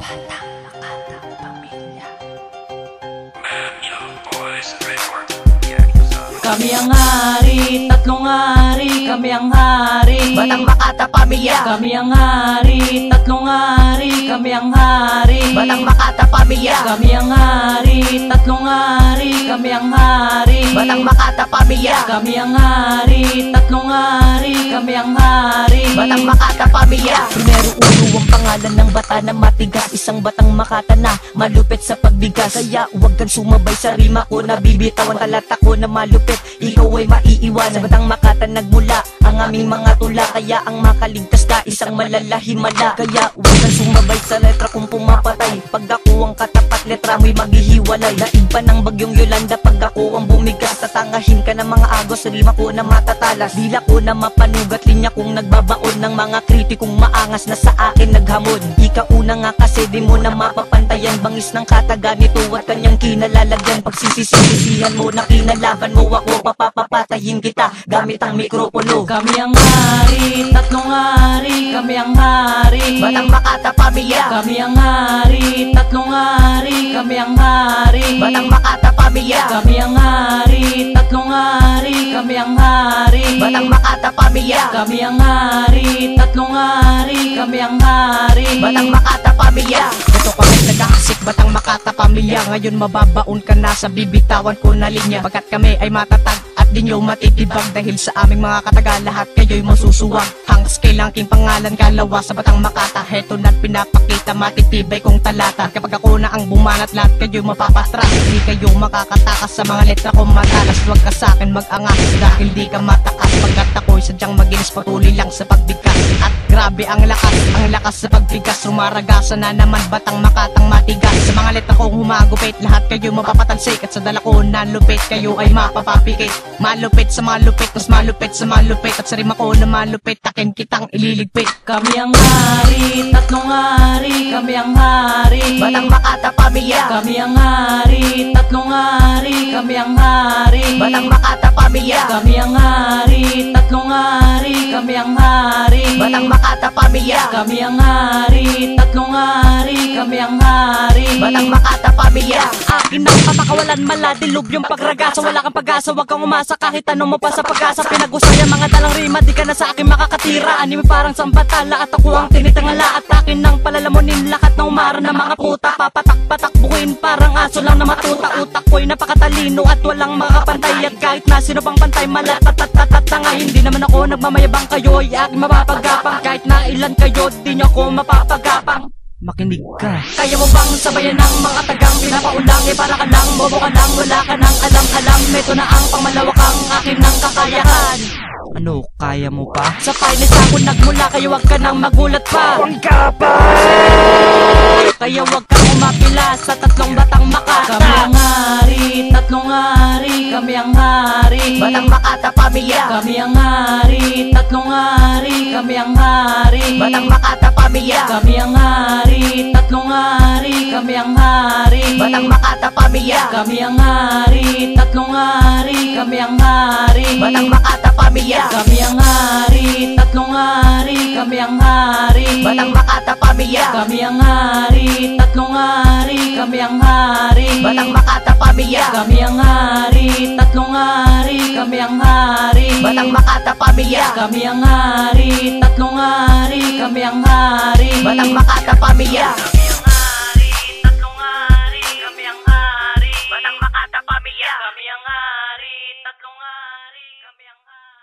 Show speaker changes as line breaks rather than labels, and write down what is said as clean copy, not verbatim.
Makatang Pamilya.
Kami ang hari, tatlong hari, kami ang hari.
Batang Makata Pamilya.
Kami ang hari, tatlong hari, kami ang hari.
Batang Makata Pamilya.
Kami ang hari, tatlong hari, kami ang hari.
Batang Makata Pamilya.
Kami ang hari, tatlong hari, kami ang hari.
Batang Makata Pamilya.
Primero ulo ang pangalan ng bata na matigas. Isang batang Makata na malupit sa pagbigas. Kaya huwag kang sumabay sa rima ko. Nabibitawan talata ko na malupit, ikaw ay maiiwan. Sa batang Makata nagmula ang aming mga tula. Kaya ang makaligtas ka isang malalahimala. Kaya huwag kang sumabay sa letra kung pumapatay. Pag ako ang katapat letra mo'y maghihiwalay. Daig pa ng bagyong Yolanda pag ako ang bumigas. Tatangahin ka ng mga agos sa rima ko na matatalas. Dila ko na mapanugat, linya kong nagbabaon ng mga kritikong maangas na sa akin naghamon. Ikauna nga kasi di mo na mapapantayan. Bangis ng kataga nito at kanyang kinalalagyan. Pagsisisihan mo na kinalaban mo ako, papapatayin kita gamit ang mikropono.
Kami ang hari, tatlong hari, kami ang hari.
Batang Makata Pamilya.
Kami ang hari, tatlong hari, kami ang hari.
Batang Makata Pamilya.
Kami ang hari, tatlong hari, kami ang hari.
Batang Makata Pamilya.
Kami ang hari, tatlong hari, kami ang hari.
Batang Makata Pamilya.
Ito kami nag-aasik, Batang Makata Pamilya. Ngayon mababaon ka na sa bibitawan ko na linya. Pagkat kami ay matatag at di nyo matitibag. Dahil sa aming mga kataga lahat kayo'y masusuwag. Hangs kailanking pangalan kalawa sa Batang Makata. Heto na't pinapakita matitibay kong talata. Kapag ako na ang bumanat lahat kayo'y mapapatras. Di kayo makakatakas sa mga letra kong matalas. Huwag ka sa'kin mag-angas dahil di ka matakas. Pagkat ako'y sadyang maginis patuloy lang sa pagbigkas. At grabe ang lakas sa pagbigas. Rumaragasa na naman Batang Makatang matigas. Sa mga letra kong humagupit lahat kayo mapapatansik. At sa dala ko na lupit kayo ay mapapapikit. Malupit sa malupit, mas malupit sa malupit. At sa rima ko na malupit, takin kitang ililigpit.
Kami ang hari, tatlong hari, kami ang hari.
Batang Makata Pamilya.
Kami ang hari, tatlong hari, kami ang hari.
Batang Makata Pamilya.
Kami ang hari, tatlong hari, kami ang hari.
Batang Makata Pamilya.
Kami ang hari, tatlong hari, kami ang hari.
Batang Makata Pamilya.
Akin ang patakawalan, maladilog yung pagragasa. Wala kang pag-asa, wag kang umasa kahit tanong mo pa sa pag-asa. Pinag-usaya mga dalang rima, di ka na sa akin makakatira. Anime parang sambatala at ako ang tinitangala. At akin ang palalamunin lahat ng umara ng mga puta. Papatak-patak bukuin parang aso lang na matuta. Utak ko'y napakatalino at walang makakapantay. At kahit na sino pang pantay, malatatatatatat na nga. Hindi naman ako nagmamayabang, kayo ay aking mapapagapang. Kahit na ilan kayo, di nyo ako mapapagapang. Makinig ka. Kaya mo bang sabayan ng mga tagang pinapaulang? Eh para ka lang, bobo ka lang, wala ka nang alam-alam. Ito na ang pangmalawakang akin ng kakayahan. Ano, kaya mo pa? Sa finest ako nagmula, kaya wag ka nang magulat pa. Kaya wag kang umapila sa tatlong Batang Makata.
Kami ang hari, tatlong hari, kami ang hari.
Batang Makata Pamilya.
Kami ang hari, tatlong hari, kami ang hari.
Batang Makata Pamilya.
Kami ang hari, tatlong hari, kami ang hari.
Batang Makata Pamilya.
Kami ang hari, tatlong hari, kami ang hari.
Batang Makata Pamilya.
Kami ang hari, tatlong hari, kami ang hari.
Batang Makata Pamilya.
Kami ang hari, tatlong hari, kami ang hari.
Batang Makata Pamilya.
Kami ang hari, tatlong hari, kami ang hari.
Batang Makata Pamilya.
Kami ang hari, tatlong hari, kami ang hari.
Batang Makata Pamilya.
Kami ang hari, tatlong hari, kami ang hari.